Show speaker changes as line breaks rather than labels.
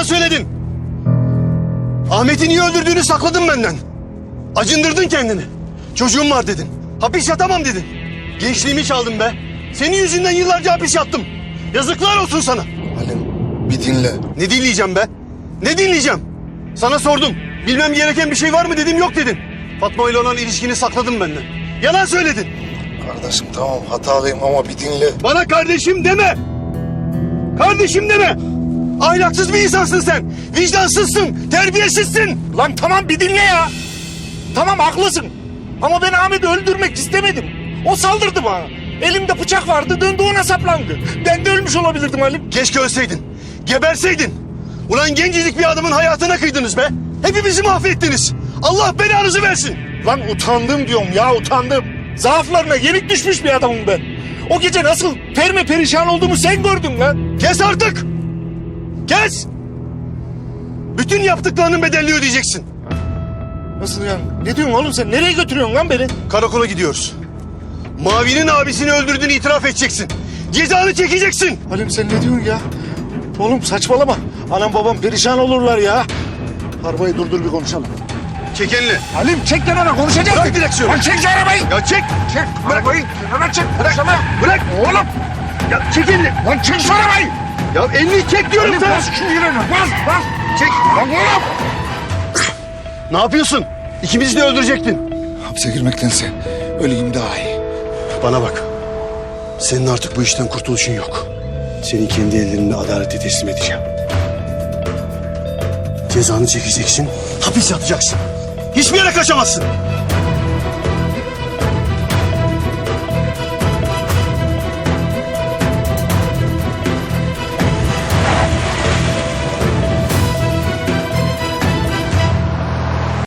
Yalan söyledin. Ahmet'i niye öldürdüğünü sakladın benden. Acındırdın kendini. Çocuğum var dedin. Hapis yatamam dedin. Gençliğimi çaldın be. Senin yüzünden yıllarca hapis yattım. Yazıklar olsun sana.
Halim bir dinle.
Ne dinleyeceğim be? Ne dinleyeceğim? Sana sordum. Bilmem gereken bir şey var mı dedim, yok dedin. Fatma ile olan ilişkini sakladın benden. Yalan söyledin.
Kardeşim tamam hatalıyım ama bir dinle.
Bana kardeşim deme. Kardeşim deme. Ahlaksız bir insansın sen. Vicdansızsın, terbiyesizsin.
Lan tamam bir dinle ya. Tamam haklısın. Ama ben Ahmet'i öldürmek istemedim. O saldırdı bana. Elimde bıçak vardı, döndü ona saplandı. Ben de ölmüş olabilirdim Halim.
Keşke ölseydin. Geberseydin. Ulan gencecik bir adamın hayatına kıydınız be. Hepimizi mahvettiniz. Allah belanızı versin.
Lan utandım diyorum ya, utandım. Zaaflarına yenik düşmüş bir adamım ben. O gece nasıl perişan olduğumu sen gördün lan.
Kes artık. Kes. Bütün yaptıklarının bedelini ödeyeceksin.
Nasıl yani? Ne diyorsun oğlum sen? Nereye götürüyorsun lan beni?
Karakola gidiyoruz. Mavi'nin abisini öldürdüğünü itiraf edeceksin. Cezanı çekeceksin.
Halim sen ne diyorsun ya? Oğlum saçmalama. Anam babam perişan olurlar ya. Arabayı durdur bir konuşalım.
Çek elini.
Halim çek kenara konuşacağız.
Bırak direksiyonu.
Lan çek şu arabayı.
Ya çek.
Çek arabayı. Kenara çek.
Bırak.
Konuşalım.
Bırak.
Oğlum.
Ya çek elini.
Lan çek şu arabayı.
Ya elini çek diyorum
Halim
sana.
bas şu freni. Bas.
Çek.
Lan oğlum.
Ne yapıyorsun? İkimizi de öldürecektin.
Hapse girmektense öleyim daha iyi.
Bana bak. Senin artık bu işten kurtuluşun yok. Seni kendi ellerimle adalete teslim edeceğim. Cezanı çekeceksin, hapis yatacaksın. Hiçbir yere kaçamazsın.